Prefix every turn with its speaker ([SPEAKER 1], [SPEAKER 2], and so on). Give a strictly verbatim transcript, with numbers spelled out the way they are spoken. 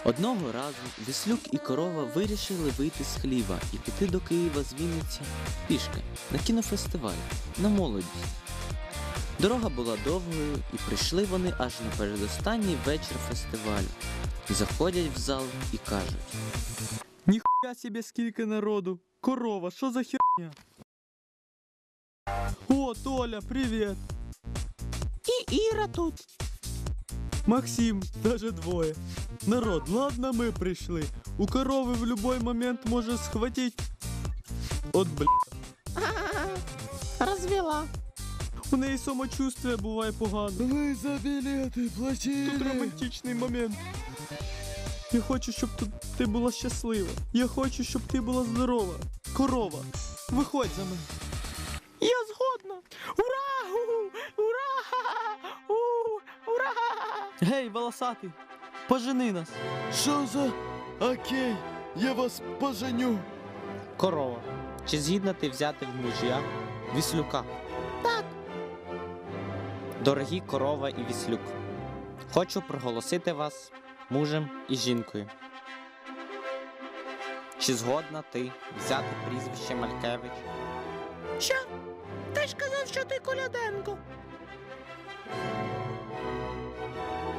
[SPEAKER 1] Одного разу Віслюк і корова вирішили вийти з хліва і піти до Києва з Вінниці пішки на кінофестиваль, на молодість. Дорога була довгою, і прийшли вони аж на передостанній вечір фестивалю. Заходять в зал і кажуть:
[SPEAKER 2] Ніхуя себе скільки народу! Корова, що за херня? О, Толя, привіт!
[SPEAKER 3] І Іра тут.
[SPEAKER 2] Максим, даже двоє. Народ, ладно ми прийшли. У корови в любой момент може схватить. От бля.
[SPEAKER 3] Розвела.
[SPEAKER 2] У неї самочувствие буває погано.
[SPEAKER 4] Ви за білети платили.
[SPEAKER 2] Тут романтичний момент. Я хочу, щоб тут ти була щаслива. Я хочу, щоб ти була здорова. Корова, виходь за мене.
[SPEAKER 3] Я згодна. Ура! У, ура! У, ура!
[SPEAKER 2] Гей, волосатий, пожени нас.
[SPEAKER 4] Що за? Окей, я вас поженю.
[SPEAKER 1] корова, чи згідна ти взяти в мужія Віслюка?
[SPEAKER 3] Так.
[SPEAKER 1] Дорогі корова і Віслюк, хочу проголосити вас мужем і жінкою. Чи згодна ти взяти прізвище Малькевич?
[SPEAKER 3] Що? Ти ж казав, що ти Коляденко.